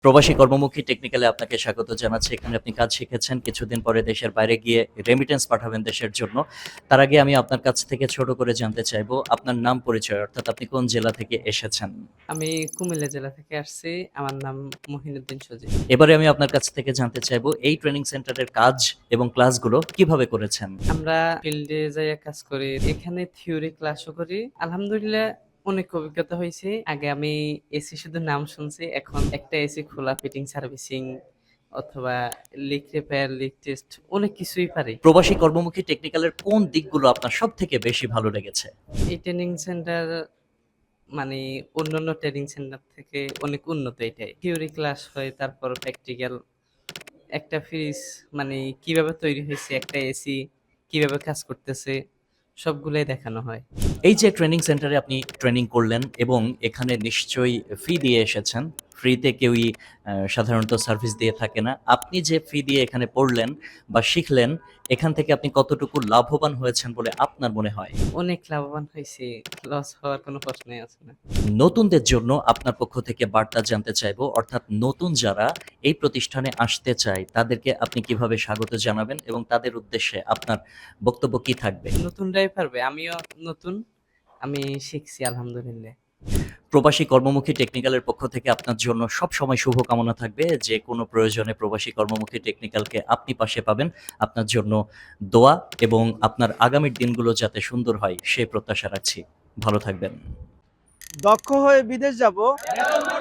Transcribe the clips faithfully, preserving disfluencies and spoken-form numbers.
প্রবাসী কর্মমুখী টেকনিক্যালে আপনাকে স্বাগত জানাচ্ছি। এখানে আপনি কাজ শিখেছেন। কিছুদিন পরে দেশের বাইরে গিয়ে রেমিটেন্স পাঠাবেন দেশের জন্য। তার আগে আমি আপনার কাছ থেকে ছোট করে জানতে চাইবো আপনার নাম পরিচয়, অর্থাৎ আপনি কোন জেলা থেকে এসেছেন? আমি কুমিল্লা জেলা থেকে আসছি। আমার নাম মহিনুদ্দিন সজীব। এবারে আমি আপনার কাছ থেকে জানতে চাইবো এই ট্রেনিং সেন্টারের কাজ এবং ক্লাসগুলো কিভাবে করেছেন? আমরা ফিল্ডে যাইয়া কাজ করি। এখানে থিওরি ক্লাসও করি। আলহামদুলিল্লাহ অনেক অভিজ্ঞতা হয়েছে। আগে আমি এসি শুধু নাম শুনছি। এখন একটা এসি খোলা, ফিটিং, সার্ভিসিং অথবা লিক রিপেয়ার, লিক টেস্ট অনেক কিছুই পারি। প্রবাসী কর্মমুখী টেকনিক্যালের কোন দিকগুলো আপনার সবথেকে বেশি ভালো লেগেছে? এই ট্রেনিং সেন্টার মানে অন্যান্য ট্রেনিং সেন্টার থেকে অনেক উন্নত এটাই। থিওরি ক্লাস হয়, তারপর প্র্যাকটিক্যাল। একটা ফ্রিজ মানে কিভাবে তৈরি হয়েছে, একটা এসি কিভাবে কাজ করতেছে, সবগুলোই দেখানো হয়। এই যে ট্রেনিং সেন্টারে আপনি ট্রেনিং করলেন এবং এখানে নিশ্চয়ই ফি দিয়ে এসেছেন। ফ্রিতে কেউই আ সাধারণত সার্ভিস দিয়ে থাকে না। আপনি যে ফি দিয়ে এখানে পড়লেন বা শিখলেন, এখান থেকে আপনি কতটুকু লাভবান হয়েছেন বলে আপনার মনে হয়? অনেক লাভবান হয়েছে, লস হওয়ার কোনো প্রশ্নই আছে না। নতুনদের জন্য আপনার পক্ষ থেকে বার্তা জানতে চাইবো, অর্থাৎ নতুন যারা এই প্রতিষ্ঠানে আসতে চায় তাদেরকে আপনি কিভাবে স্বাগত জানাবেন এবং তাদের উদ্দেশ্যে আপনার বক্তব্য কি থাকবে? নতুনরাই পারবে, আমিও নতুন, আমি শিখছি আলহামদুলিল্লাহ। প্রবাসী কর্মমুখী টেকনিক্যালের পক্ষ থেকে আপনার জন্য সবসময় শুভকামনা থাকবে। যে কোনো প্রয়োজনে প্রবাসী কর্মমুখী টেকনিক্যালকে আপনি পাশে পাবেন। আপনার জন্য দোয়া এবং আপনার আগামীর দিনগুলো যাতে সুন্দর হয় সে প্রত্যাশা রাখছি। ভালো থাকবেন। দক্ষ হয়ে বিদেশ যাব।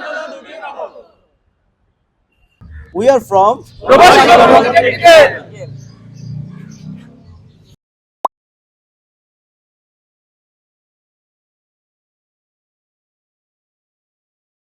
উই আর ফ্রম প্রবাসী কর্মমুখী টেকনিক্যাল।